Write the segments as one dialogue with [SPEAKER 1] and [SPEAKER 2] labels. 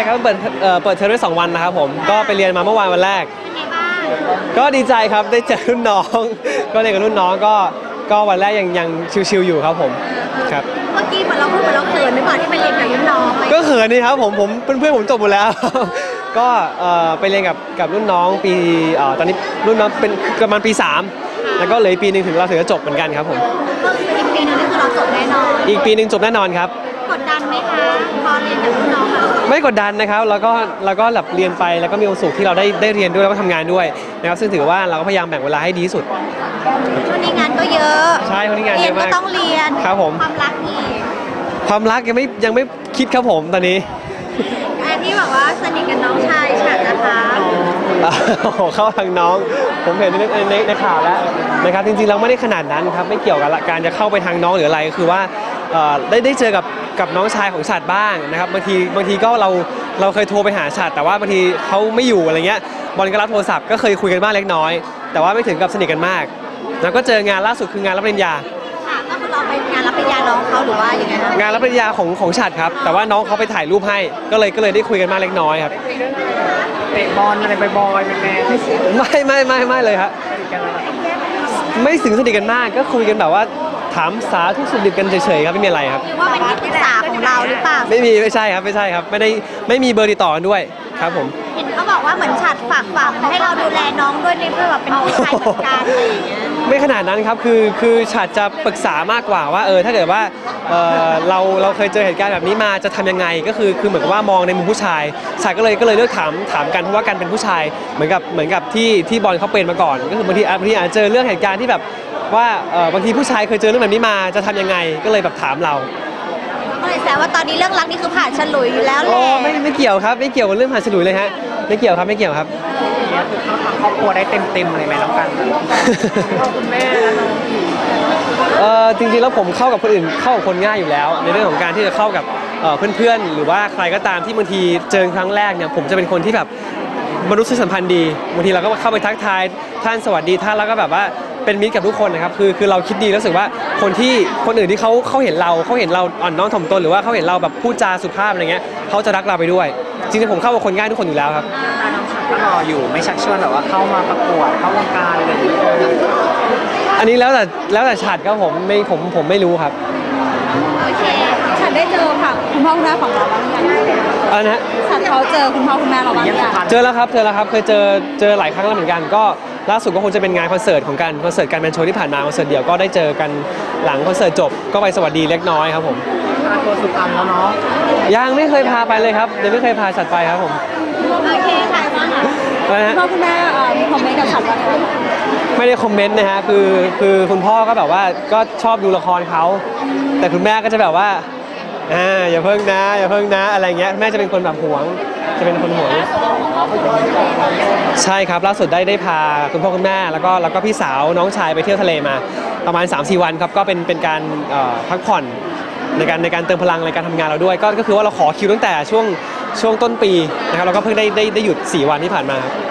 [SPEAKER 1] ครับเปิดเทอมได้2 วันนะครับผมก็ไปเรียนมาเมื่อวานวันแรกก็ดีใจครับได้เจอรุ่นน้องก็เรียนกับรุ่นน้องก็วันแรกยังชิวๆอยู่ครับผมครับ
[SPEAKER 2] เมื่อกี้เหมือนเราพูดเหมือนเราเขินหรือเปล่าที่ไปเรียนกับรุ่นน้อง
[SPEAKER 1] ก็เขินนี่ครับผมเพื่อนผมจบหมดแล้วก็ไปเรียนกับรุ่นน้องปีตอนนี้รุ่นน้องเป็นประมาณปี3แล้วก็เหลือปีนึงถึงเราถึงจะจบเหมือนกันครับผม
[SPEAKER 2] อีกปีนึงนี่คือเราจบแน่นอน
[SPEAKER 1] อีกปีนึงจบแน่นอนครับ
[SPEAKER 2] กดดันไหมคะพอเรียนกับรุ่นน้อง
[SPEAKER 1] ไม่กดดันนะครับแล้วก็แบบเรียนไปแล้วก็มีความสุขที่เราได้เรียนด้วยแล้วก็ทำงานด้วยนะครับซึ่งถือว่าเราก็พยายามแบ่งเวลาให้ดีที่สุด
[SPEAKER 2] ช่วงนี้งานก็เยอะ
[SPEAKER 1] ใช่ช่วงนี้งานเยอะมาก
[SPEAKER 2] เรียนก็ต้องเรียน
[SPEAKER 1] ครับผม
[SPEAKER 2] ความรักนี่
[SPEAKER 1] ความรักยังไม่คิดครับผมตอนนี้
[SPEAKER 2] อันที่แบบว่าสนิทกับน้องชายฉันนะคะ
[SPEAKER 1] เข้าทางน้องผมเห็นในข่าวแล้วนะครับจริงๆเราไม่ได้ขนาดนั้นครับไม่เกี่ยวกับการจะเข้าไปทางน้องหรืออะไรก็คือว่าได้เจอกับน้องชายของฉัดบ้างนะครับบางทีก็เราเคยโทรไปหาฉัดแต่ว่าบางทีเขาไม่อยู่อะไรเงี้ยบอลก็รับโทรศัพท์ก็เคยคุยกันบ้างเล็กน้อยแต่ว่าไม่ถึงกับสนิทกันมากแล้วก็เจองานล่าสุดคืองานรับปริญญา
[SPEAKER 2] ก็คือเราไปงานรับปริญญาน้องเขาหรือว่าอย่างไงครับ
[SPEAKER 1] งานรับปริญญาของฉัดครับแต่ว่าน้องเขาไปถ่ายรูปให้ก็เลยได้คุยกันมากเล็กน้อยครับ
[SPEAKER 3] เตะบอลอะไรบอยๆเป็นแม่
[SPEAKER 1] ไม่เลยครับไม่ถึงสนิทกันมากก็คุยกันแบบว่าถามสาทุกสุขดิบกันเฉยๆครับไม่มีอะไรครับ
[SPEAKER 2] หรือว่าเป็นที่ปรึกษาของเราหรือเปล่า
[SPEAKER 1] ไม่ใช่ครับไม่มีเบอร์ติดต่อกันด้วยครับผม
[SPEAKER 2] เห็นเขาบอกว่าเหมือนฉัดฝากฝังให้เราดูแลน้องด้วยในเพื่อแบบเป็นพี่ชายเหมือนกันอะไรอย่างเงี้ย
[SPEAKER 1] ไม่ขนาดนั้นครับคือฉัดจะปรึกษามากกว่าว่าถ้าเกิดว่าเราเคยเจอเหตุการณ์แบบนี้มาจะทำยังไงก็คือเหมือนกับว่ามองในมุมผู้ชายฉัดก็เลยเลือกถามกันเพราะว่ากันเป็นผู้ชายเหมือนกับที่บอลเขาเป็นมาก่อนก็คือบางทีอาจจะเจอเรื่องเหตุการณ์ที่แบบว่าบางทีผู้ชายเคยเจอเรื่องแบบนี้มาจะทำยังไงก็เลยแบบถามเรา
[SPEAKER 2] ก็เลยแซวว่าตอนนี้เรื่องรักนี่คือผ่านฉลุยอยู่แล้วแหละ
[SPEAKER 1] ไม่เกี่ยวครับไม่เกี่ยวกับเรื่องผ่านฉลุยเลยฮะไม่เกี่ยวครับ
[SPEAKER 3] เนี่ยคือเข้าทางครอบครัวได้เต็มเลยไหมน้องกันคุณแม่แล้วน้อง
[SPEAKER 1] จริงๆแล้วผมเข้ากับคนอื่นเข้ากับคนง่ายอยู่แล้วในเรื่องของการที่จะเข้ากับเพื่อนๆหรือว่าใครก็ตามที่บางทีเจอครั้งแรกเนี่ยผมจะเป็นคนที่แบบมนุษยสัมพันธ์ดีบางทีเราก็เข้าไปทักทายท่านสวัสดีท่านแล้วก็แบบว่าเป็นมิตรกับทุกคนนะครับคือเราคิดดีรู้สึกว่าคนอื่นที่เขาเห็นเราอ่อนน้อมถ่อมตนหรือว่าเขาเห็นเราแบบพูดจาสุภาพอะไรเงี้ยเขาจะรักเราไปด้วยจริงๆผมเข้ากับคนง่ายทุกคนอยู่แล้วครับ
[SPEAKER 3] น้องฉันก็รออยู่ไม่ชักชวนแบบว่าเข้ามาประกวดเข้าวงการอะไรอย่างเงี้ย
[SPEAKER 1] อันนี้แล้วแต่ฉัดครับผมไม่รู้ครับ
[SPEAKER 2] โอเคฉันได้เจอค่ะคุณพ่อคุณแม่ของเราบ้างยัง
[SPEAKER 1] นะ
[SPEAKER 2] ฉันเขาเจอคุณพ่อคุณแม่เราบ้างยัง
[SPEAKER 1] เจอแล้วครับเคยเจอหลายครั้งแล้วเหมือนกันก็ล่าสุดก็คงจะเป็นงานคอนเสิร์ตของการคอนเสิร์ตการแมนโชว์ที่ผ่านมาคอนเสิร์ตเดี่ยวก็ได้เจอกันหลังคอนเสิร์ตจบก็ไปสวัสดีเล็กน้อยครับผม
[SPEAKER 3] ตัวสุพรรณแล้วเนาะ
[SPEAKER 1] ยังไม่เคยพาไปเลยครับยังไม่เคยพาฉัดไปครับผม
[SPEAKER 2] โอเคค่ะพ่อคุณแม่คอมเมนต์กับฉัดว่า
[SPEAKER 1] ไม่ได้คอมเมนต์นะฮะคือคุณพ่อก็แบบว่าก็ชอบดูละครเขาแต่คุณแม่ก็จะแบบว่าอย่าเพิ่งนะอะไรเงี้ยแม่จะเป็นคนแบบหวงจะเป็นคนหวงใช่ครับล่าสุดได้พาคุณพ่อคุณแม่แล้วก็พี่สาวน้องชายไปเที่ยวทะเลมาประมาณ 3-4 วันครับก็เป็นการพักผ่อนในการเติมพลังในการทำงานเราด้วยก็คือว่าเราขอคิวตั้งแต่ช่วงต้นปีนะครับเราก็เพิ่งได้หยุด4 วันที่ผ่านมาครับ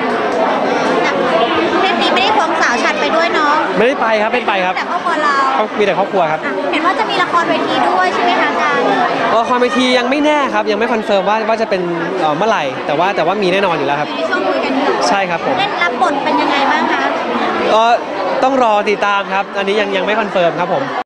[SPEAKER 2] เล่นนี้ไม่ได้ควงสาวฉัดไปด้วยเนาะ
[SPEAKER 1] ไม่ได้ไปครับไม่ไปครับ
[SPEAKER 2] แต่ครอบครัวเรา
[SPEAKER 1] มีแต่ครอบครัวครับ
[SPEAKER 2] เห็นว่าจะมีละครเวทีด้วยใช่ไหมคะการ
[SPEAKER 1] ละครเวทียังไม่แน่ครับยังไม่คอนเฟิร์มว่าจะเป็นเมื่อไหร่แต่ว่ามีแน่นอนอยู่แล้วครับ
[SPEAKER 2] ในช่วงคุยกันอยู่
[SPEAKER 1] ใช่ครับผม
[SPEAKER 2] เล่นรับบทเป็นยังไงบ้างคะ
[SPEAKER 1] ต้องรอติดตามครับอันนี้ยังไม่คอนเฟิร์มครับผม